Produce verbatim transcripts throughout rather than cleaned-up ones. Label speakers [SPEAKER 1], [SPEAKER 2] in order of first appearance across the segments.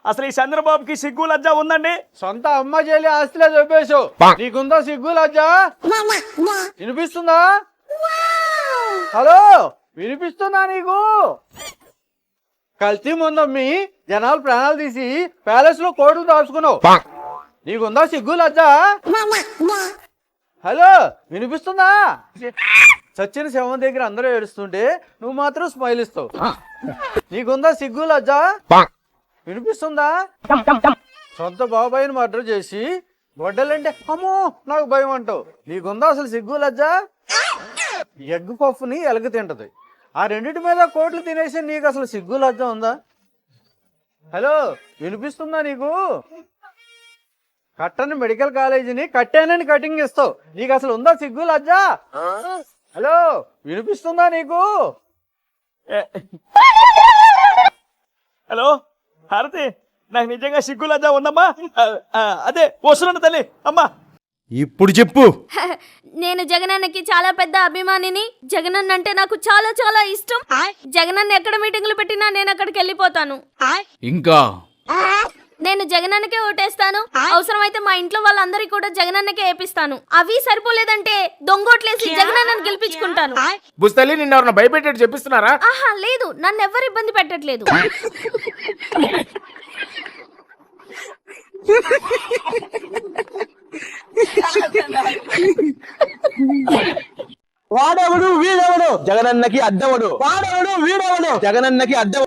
[SPEAKER 1] అసలు ఈ చంద్రబాబుకి సిగ్గు లజ్జ ఉందండి?
[SPEAKER 2] సొంత అమ్మ చెల్లి ఆస్తిలో చెప్పేశావు, నీకుందా సిగ్గు లజ్జ? వినిపిస్తుందా? హలో, వినిపిస్తుందా నీకు? కల్తీ ముందమ్మి జనాలు ప్రాణాలు తీసి ప్యాలెస్ లో కోటు దాచుకున్నావు, నీకుందా సిగ్గు లజ్జ? హలో, వినిపిస్తుందా? సచిన శవం దగ్గర అందరూ ఏడుస్తుంటే నువ్వు మాత్రం స్మైల్ ఇస్తావు, నీకుందా సిగ్గు లజ్జ? వినిపిస్తుందా? సొంత బాబాయిని మర్డర్ చేసి గొడ్డలంటే అమ్మో నాకు భయం అంటావు, నీకుందా అసలు సిగ్గు లజ్జ? ఎగ్గు పప్పుని ఎలగ తింటది, ఆ రెండింటి మీద కోట్లు తినేసి నీకు అసలు సిగ్గు లజ్జ ఉందా? హలో, వినిపిస్తుందా నీకు? కట్టని మెడికల్ కాలేజీని కట్టానని కటింగ్ ఇస్తావు, నీకు అసలు ఉందా సిగ్గు లజ్జ? హలో, వినిపిస్తుందా నీకు?
[SPEAKER 1] హలో హారతి, నాకు నిజంగా సిగ్గు లజ్జ ఉందమ్మా. అదే వస్తున్నాను తల్లి. అమ్మా
[SPEAKER 3] ఇప్పుడు చెప్పు.
[SPEAKER 4] నేను జగనన్నకి చాలా పెద్ద అభిమానిని. జగనన్న అంటే నాకు చాలా చాలా ఇష్టం. జగనన్న ఎక్కడ మీటింగ్లు పెట్టినా నేను అక్కడికి వెళ్ళిపోతాను.
[SPEAKER 5] ఇంకా
[SPEAKER 4] నేను జగనన్నకే ఓటేస్తాను. అవసరమైతే మా ఇంట్లో వాళ్ళందరికీ కూడా జగనన్నకే వేపిస్తాను. అవి సరిపోలేదంటే దొంగోట్లేసి జగనన్నని గెలిపించుకుంటాను.
[SPEAKER 5] బుస్తలి నిన్న ఎవరన్నా భయపెట్టేట్టు చెప్పిస్తున్నారా?
[SPEAKER 4] ఆహా లేదు, నన్ను ఎవరు ఇబ్బంది పెట్టట్లేదు.
[SPEAKER 3] వాడెవడు వీడెవడు జగనన్నకి అడ్డవడు, వాడెవడు వీడెవడు జగనన్నకి అడ్డవడు.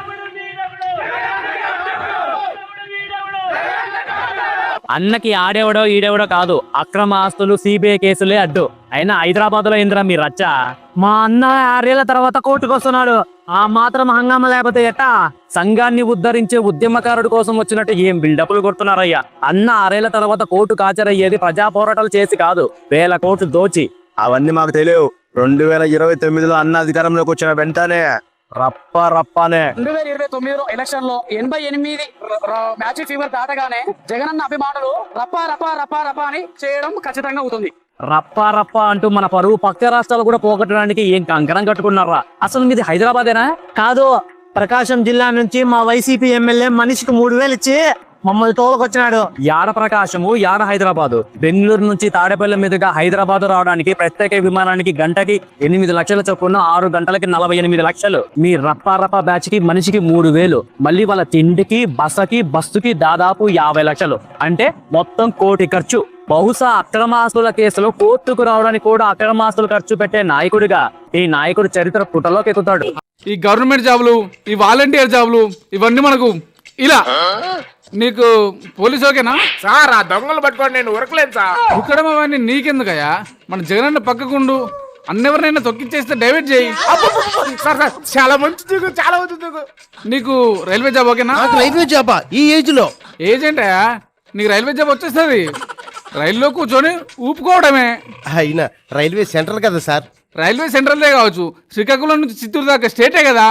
[SPEAKER 6] అన్నకి ఆడేవడో ఈడేవడో కాదు, అక్రమ ఆస్తులు సిబిఐ కేసులే అడ్డు. అయినా హైదరాబాద్ లో ఏందిరా మీ రచ్చ? మా అన్న ఆరేళ్ల తర్వాత కోర్టుకు వస్తున్నాడు, ఆ మాత్రం హంగామా లేకపోతే ఎట్టా? సంఘాన్ని ఉద్ధరించే ఉద్యమకారుడు కోసం వచ్చినట్టు ఏం బిల్డప్లు కొడుతున్నారయ్యా. అన్న ఆరేళ్ల తర్వాత కోర్టు కాచరయ్యేది ప్రజా పోరాటాలు చేసి కాదు, వేల కోట్లు దోచి.
[SPEAKER 3] అవన్నీ మాకు తెలియవు. రెండు వేల ఇరవై తొమ్మిదిలో అన్న అధికారంలోకి వచ్చిన వెంటనే రప్ప రప్పనే
[SPEAKER 7] రెండు వేల ఇరవై తొమ్మిదిలో ఎలక్షన్ లో ఎనభై ఎనిమిది మ్యాజిక్ ఫీవర్ దాటగానే జగనన్న అభిమానులు రప్ప రప్ప రప్ప రప్ప అని చేయడం ఖచ్చితంగా అవుతుంది.
[SPEAKER 6] రప్ప రప్ప అంటూ మన పరువు పక్క రాష్ట్రాలు కూడా పోగొట్టడానికి ఏం కంకణం కట్టుకున్నారా? అసలు మీది హైదరాబాదేనా? కాదు, ప్రకాశం జిల్లా నుంచి మా వైసీపీ ఎమ్మెల్యే మనిషికి మూడు వేలు ఇచ్చి మమ్మల్ని తోలుకొచ్చినాడు. యాడ ప్రకాశము, యాడ హైదరాబాదు. బెంగళూరు నుంచి తాడేపల్లి మీదుగా హైదరాబాద్ రావడానికి ప్రత్యేక విమానానికి గంటకి ఎనిమిది లక్షల చొప్పున ఆరు గంటలకి నలభై ఎనిమిది లక్షలు. మీ రప్ప రప్ప బ్యాచ్ కి మనిషికి మూడు వేలు. మళ్ళీ వాళ్ళ తిండికి, బసకి, బస్సుకి దాదాపు యాభై లక్షలు. అంటే మొత్తం కోటి ఖర్చు. బహుశా అక్రమాస్తుల కేసులో కోర్టుకు రావడానికి కూడా అక్రమాస్తులు ఖర్చు పెట్టే నాయకుడిగా ఈ నాయకుడు చరిత్ర పుటలోకి ఎక్కుతాడు.
[SPEAKER 5] ఈ గవర్నమెంట్ జాబులు, ఈ వాలంటీర్ జాబులు, ఇవన్నీ మనకు ఇలా. నీకు పోలీసు ఓకేనా
[SPEAKER 8] సార్? ఆ దొంగలు పట్టుకోండి, నేను ఉరకలేదు సార్.
[SPEAKER 5] ఉక్కడం అవన్నీ నీకెందుకయ్యా? మన జగనన్న పక్కకుండు, అన్నెవరినైనా తొక్కిచ్చేస్తే డైవర్ట్ చేయి.
[SPEAKER 8] సార్ సార్ చాలా మంచి, చాలా మంచి.
[SPEAKER 5] నీకు రైల్వే జాబ్ ఓకేనా?
[SPEAKER 3] రైల్వే జాబా ఈ ఏజ్ లో?
[SPEAKER 5] ఏజ్ ఏంటయ్యా, నీకు రైల్వే జాబ్ వచ్చేస్తుంది. రైల్లో కూర్చొని ఊపుకోవడమే.
[SPEAKER 3] అయినా రైల్వే సెంట్రల్ కదా సార్?
[SPEAKER 5] రైల్వే సెంట్రల్దే కావచ్చు, శ్రీకాకుళం నుంచి చిత్తూరు దాకా స్టేటే కదా.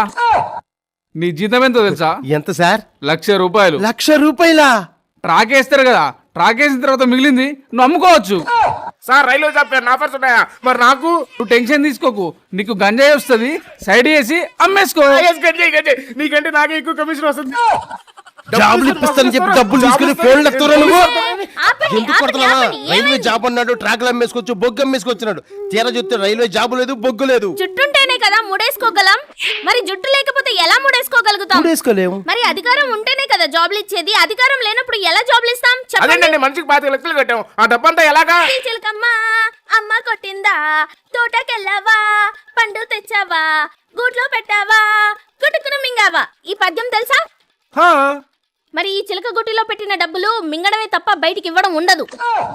[SPEAKER 5] నీ జీతం ఎంతో తెలుసా?
[SPEAKER 3] ఎంత సార్?
[SPEAKER 5] లక్ష రూపాయలు.
[SPEAKER 3] లక్ష రూపాయలా?
[SPEAKER 5] ట్రాక్ వేస్తారు కదా, ట్రాక్ వేసిన తర్వాత మిగిలింది నువ్వు అమ్ముకోవచ్చు.
[SPEAKER 8] సార్ రైల్వే జాబ్ ఆఫర్స్ ఉన్నాయా మరి నాకు?
[SPEAKER 5] నువ్వు టెన్షన్ తీసుకోకు, నీకు గంజాయి వస్తుంది, సైడ్ వేసి అమ్మేసుకో.
[SPEAKER 8] నీకంటే నాకే ఎక్కువ కమిషన్ వస్తుంది.
[SPEAKER 3] జాబులు ఇప్పిస్తానని చెప్పి డబ్బులు తీసుకుని ఫోన్లు ఎత్తురా నువ్వు. ఎందుకు కొడుతున్నావా? రైల్వే జాబ్ అన్నాడు, ట్రాక్లు అమ్మేసుకోవచ్చు, బొగ్గు అమ్మేసుకొచ్చినాడు. తీరా చూస్తే రైల్వే జాబు లేదు, బొగ్గు లేదు.
[SPEAKER 4] జుట్టుంటేనే కదా ముడేసుకోగలం, మరి జుట్టు లేకపోతే ఎలా ముడేసుకోగలుగుతాం?
[SPEAKER 3] ముడేసుకోలేము.
[SPEAKER 4] మరి అధికారం ఉంటేనే కదా జాబ్లు ఇచ్చేది, అధికారం లేనప్పుడు ఎలా జాబ్లు ఇస్తాం?
[SPEAKER 8] అదేంటండి, మనిషికి పాతిక లక్షలు కట్టాం, ఆ డబ్బంతా ఎలాగా?
[SPEAKER 4] చిలకమ్మ అమ్మ కొట్టిందా, తోటకెళ్ళావా, పండు తెచ్చావా, గూట్లో పెట్టావా, గుట్టుకును మింగావా. ఈ పద్యం తెలుసా? మరి ఈ చిలక గుట్టిలో పెట్టిన డబ్బులు మింగడమే తప్ప బయటికి ఇవ్వడం ఉండదు.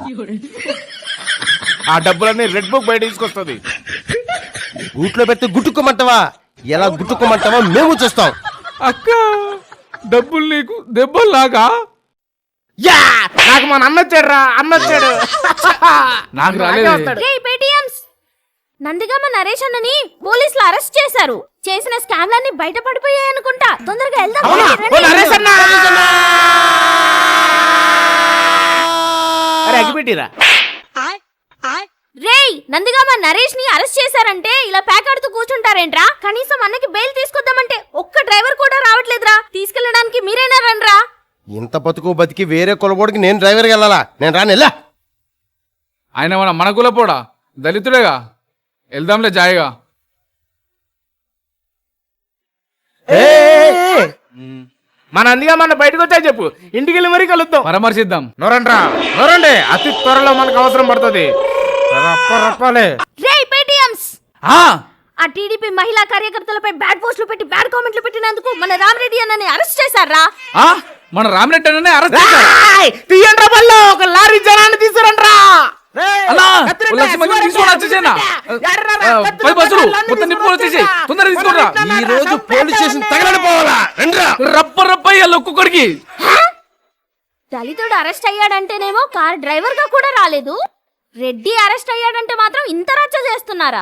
[SPEAKER 8] ఆ డబ్బులన్నీ రెడ్ బుక్ బయట తీసుకొస్తుంది.
[SPEAKER 3] గూట్లో పెడితే గుట్టుకోమంటావా? ఎలా గుట్టుకోమంటావా మేము చూస్తాం.
[SPEAKER 5] అక్క, డబ్బులు నీకు దెబ్బల్లాగా?
[SPEAKER 8] యా, నాకు మన అన్న వచ్చాడు రా, అన్న వచ్చాడు.
[SPEAKER 5] నాకు రాలేదు.
[SPEAKER 4] నందిగామ నరేష్ అన్నని పోలీసులు అరెస్ట్ చేశారు. చేసిన స్కామ్లన్నీ బయట పడిపోయాయి అనుకుంటా. తొందరగా వెళ్దాం. రేయ్, నందిగామ నరేష్ ని అరెస్ట్ చేశారంటే ఇలా ప్యాకాడుతూ కూర్చుంటారేంట్రా? కనీసం అన్నకి బెయిల్ తీసుకొద్దామంటే ఒక్క డ్రైవర్ కూడా రావట్లేదురా. తీసుకెళ్ళడానికి మీరైనా రండ్రా.
[SPEAKER 3] ఇంత బతుకు బతికి వేరే కులబోడికి నేను డ్రైవర్కి వెళ్ళాలా? నేను రాను వెళ్ళా.
[SPEAKER 5] ఆయన మన మన కులపోడా, దళితుడేగా. వెళ్దాంలే జాయిగా.
[SPEAKER 8] మన అందుగా మన బయటకు వచ్చా చెప్పు, ఇంటికి వెళ్ళి మరీ కలుద్దాం.
[SPEAKER 5] పరామర్శిద్దాం.
[SPEAKER 8] నోరండ్రా నోరండి, అతి త్వరలో మనకు అవసరం పడుతుంది. రప్ప రప్పాలే.
[SPEAKER 4] రేయ్ పేటిఎంస్,
[SPEAKER 5] ఆ,
[SPEAKER 4] ఆ టీడీపీ మహిళా కార్యకర్తలపై బ్యాడ్ పోస్టులు పెట్టి బ్యాడ్ కామెంట్లు పెట్టినందుకు మన రామరెడ్డి అన్నని అరెస్ట్ చేశారా?
[SPEAKER 5] ఆ, మన రామరెడ్డి అన్ననే అరెస్ట్ చేశారు.
[SPEAKER 8] తీయండ్రా బల్లో, ఒక లారీ జనాన్ని తీసుకురండ్రా.
[SPEAKER 5] అన్నా, ఓ లక్ష మందిని తీసుకొని వచ్చేసేనా? ఆ, పది బస్సులు మొత్తం నింపుకొని వచ్చేసి తొందరగా తీసుకురా.
[SPEAKER 3] ఈ రోజు పోలీస్ స్టేషన్ తగలడిపోవాలా? రండ్రా.
[SPEAKER 5] రప్ప రప్ప ఇయ్యాలి ఒక్కొక్కడికి.
[SPEAKER 4] దళితుడు అరెస్ట్ అయ్యాడంటేనేమో కార్ డ్రైవర్ గా కూడా రాలేదు, రెడ్డి అరెస్ట్ అయ్యాడంటే మాత్రం ఇంత రచ్చ చేస్తున్నారా?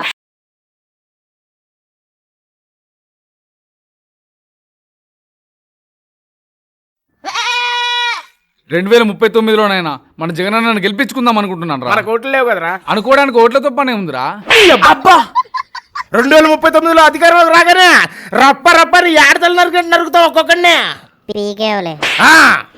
[SPEAKER 5] రెండు వేల ముప్పై తొమ్మిదిలోనైనా మన జగనన్నను గెలిపించుకుందాం అనుకుంటున్నాను రా.
[SPEAKER 8] మనకు ఓట్లు లేవు కదరా.
[SPEAKER 5] అనుకోవడానికి ఓట్లతో పనే ఉందిరా.
[SPEAKER 8] అబ్బా, రెండు వేల ముప్పై తొమ్మిదిలో అధికారంలోకి రాగానే రప్ప రప్పని ఏడతలు నరికి నరుకుతావు ఒక్కొక్కడినే. ఆ,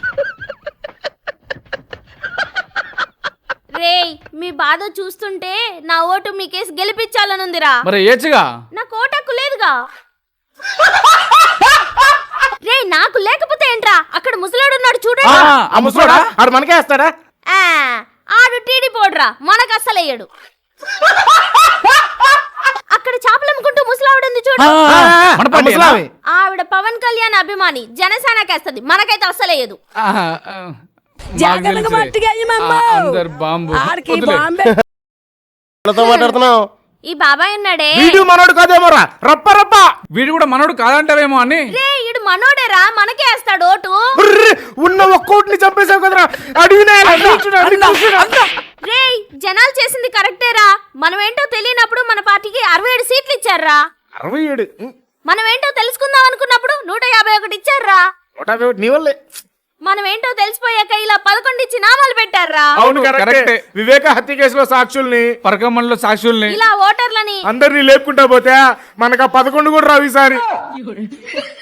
[SPEAKER 4] రేయ్, మీ బాధ చూస్తుంటే నా ఓటు మీకేసి గెలిపించాలనుందిరా.
[SPEAKER 5] మరి ఏచుగా
[SPEAKER 4] నాకు ఓటు హక్కు లేదుగా. రే, నాకు లేకపోతే ఏంట్రా, అక్కడ ముసలాడు ఉన్నాడు చూడండి.
[SPEAKER 8] ఆ ముసలోడా ఆడు మనకే వేస్తాడా?
[SPEAKER 4] ఆ, ఆడు టీడీ పోడ్రా, మనకు అస్సలయ్యాడు. అక్కడ చేపలమ్ముకుంటూ ముసలావిడ ఉంది చూడు,
[SPEAKER 5] మన పార్టీ
[SPEAKER 8] ముసలామి.
[SPEAKER 4] ఆవిడ పవన్ కళ్యాణ్ అభిమాని, జనసేనకేస్తది, మనకైతే అస్సలయ్యదు.
[SPEAKER 5] అందరు బాంబు వదిలే.
[SPEAKER 3] వాళ్ళతో మాట్లాడుతున్నావు?
[SPEAKER 4] ఈ బాబాయ్ ఉన్నాడే,
[SPEAKER 8] వీడు మనోడు కాదేమోరా. రప్ప రప్ప.
[SPEAKER 5] వీడు కూడా మనోడు కాదంటావేమో అని.
[SPEAKER 4] రే ఈడు మనోడేరా, మనకే వేస్తాడు ఓటు.
[SPEAKER 8] ఉర్ర్, ఉన్న ఒక్కోటిని చంపేశావు కదరా. అడిగినా
[SPEAKER 4] రే, జనాలు చేసింది కరెక్టేరా. మనం ఏంటో తెలియనప్పుడు మన పార్టీకి అరవై ఏడు సీట్లు ఇచ్చారా.
[SPEAKER 8] అరవై ఏడు
[SPEAKER 4] మనం ఏంటో తెలుసుకుందాం అనుకున్నప్పుడు నూట యాభై ఒకటి ఇచ్చారా.
[SPEAKER 8] నూట యాభై ఒకటి నీ వల్లే.
[SPEAKER 4] మనం ఏంటో తెలిసిపోయాక ఇలా పదకొండు ఇచ్చి నామాలు పెట్టారా.
[SPEAKER 8] అవును
[SPEAKER 5] కరెక్టే.
[SPEAKER 8] కరెక్టే. వివేక హత్య కేసులో సాక్షుల్ని,
[SPEAKER 5] పరకమ్మలో సాక్షుల్ని
[SPEAKER 4] ఇలా ఓటర్లని
[SPEAKER 8] అందరినీ లేపుకుంటా పోతే మనకు ఆ పదకొండు కూడా రావు ఈసారి.